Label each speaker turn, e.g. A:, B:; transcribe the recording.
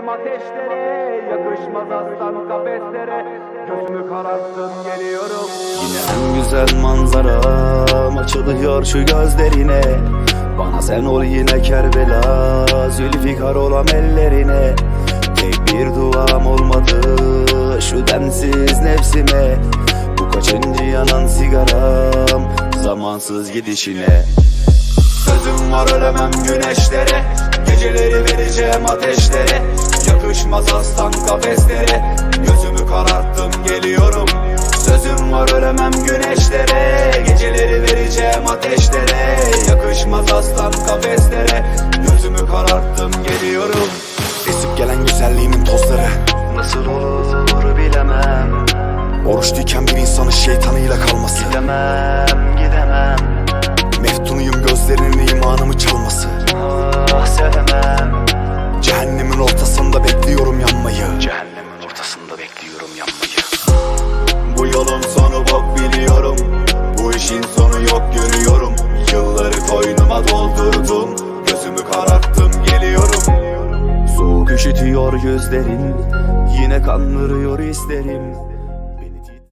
A: vereceğim ateşlere. Yakışmaz aslan kafeslere. Gözümü kararttım geliyorum.
B: Yine en güzel manzaram açılıyor şu gözlerine. Bana sen ol yine Kerbela, Zülfikar olam ellerine. Tek bir duam olmadı şu densiz nefsime. Bu kaçıncı yanan sigaram zamansız gidişine. Sözüm var ölemem güneşlere, geceleri vereceğim ateşlere. Yakışmaz aslan kafeslere, gözümü kararttım geliyorum. Sözüm var ölemem güneşlere, geceleri vereceğim ateşlere. Yakışmaz aslan kafeslere, gözümü kararttım geliyorum. Esip gelen güzelliğimin tozları nasıl olur bilemem. Oruçluyken bir insanın şeytanıyla kalması. Gidemem. Meftunuyum gözlerinin imanımı çalması. Ah sevemem. Cehennemin ortasında bekliyorum yanmayı. Cehennemin ortasında bekliyorum yanmayı. Bu yolun sonu bok biliyorum. Bu işin sonu yok görüyorum. Yılları koynuma doldurdum. Gözümü kararttım geliyorum. Soğuk üşütüyor gözlerin, yine kandırıyor hislerim.